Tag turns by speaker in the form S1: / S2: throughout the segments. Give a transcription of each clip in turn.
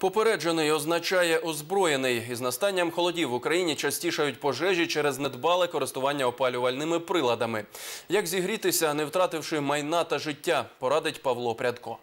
S1: Попереджений означає озброєний. Із настанням холодів в Україні частішають пожежі через недбале користування опалювальними приладами. Як зігрітися, не втративши майна та життя, порадить Павло Прядко.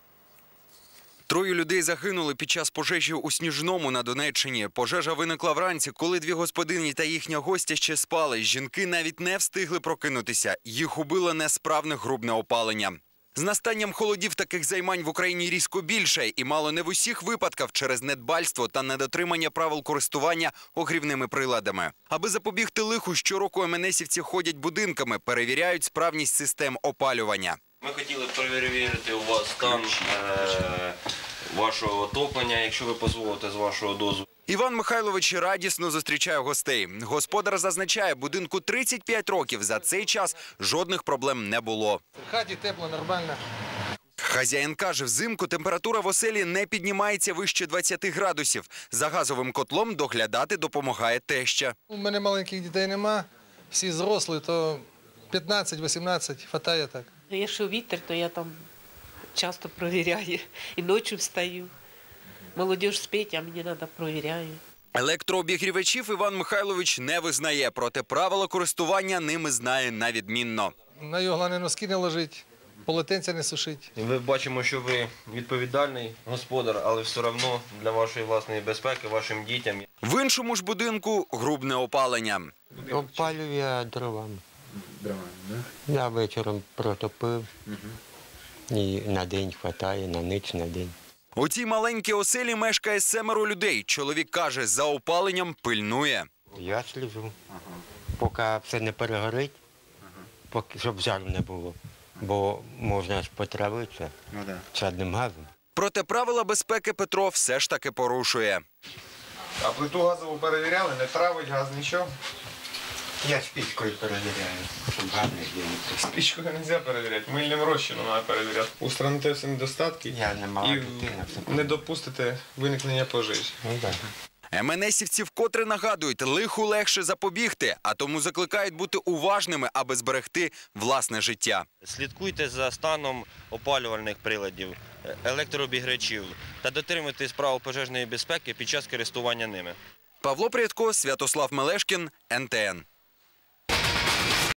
S2: Троє людей загинули під час пожежі у Сніжному на Донеччині. Пожежа виникла вранці, коли дві господині та їхня гостя ще спали. Жінки навіть не встигли прокинутися. Їх убило несправне грубне опалення. З настанням холодів таких займань в Україні різко більше. І мало не в усіх випадках через недбальство та недотримання правил користування огрівними приладами. Аби запобігти лиху, щороку МНСівці ходять будинками, перевіряють справність систем опалювання.
S3: Ми хотіли перевірити у вас стан вашого отоплення, якщо ви дозволите, з вашого дозволу.
S2: Іван Михайлович радісно зустрічає гостей. Господар зазначає, будинку 35 років. За цей час жодних проблем не було.
S4: В хаті тепло, нормально.
S2: Хазяїн каже, взимку температура в оселі не піднімається вище 20 градусів. За газовим котлом доглядати допомагає теща.
S4: У мене маленьких дітей нема, всі зрослі, то 15-18, хватає так.
S5: Якщо вітер, то я там часто провіряю. І ночі встаю. Молодіж спить, а мені треба провіряю.
S2: Електрообігрівачів Іван Михайлович не визнає, проте правила користування ними знає на відмінно.
S4: На його головне носки не ложить, полотенця не сушить.
S3: Ми бачимо, що ви відповідальний господар, але все одно для вашої власної безпеки, вашим дітям.
S2: В іншому ж будинку грубне опалення.
S6: Опалюю я дровами. Я вечором протопив, і на день вистачає, на ніч, на день.
S2: У цій маленькій оселі мешкає 7 людей. Чоловік каже, за опаленням пильнує.
S6: Я сліжу, поки все не перегорить, щоб жару не було, бо можна ж потравитися чадним газом.
S2: Проте правила безпеки Петро все ж таки порушує.
S7: А плиту газову перевіряли? Не травить газ, нічого?
S6: Я спічкою перевіряю, щоб газ не з'явився.
S7: Спічкою не можна перевіряти, мильним розчином треба перевіряти. Устраните всі недостатки
S6: Я не мала дитина.
S7: не допустите виникнення пожежі.
S6: Ну, так.
S2: МНСівці вкотре нагадують, лиху легше запобігти, а тому закликають бути уважними, аби зберегти власне життя.
S3: Слідкуйте за станом опалювальних приладів, електрообігрівачів та дотримуйтесь правил пожежної безпеки під час користування ними.
S2: Павло Прядко, Святослав Мелешкін, НТН.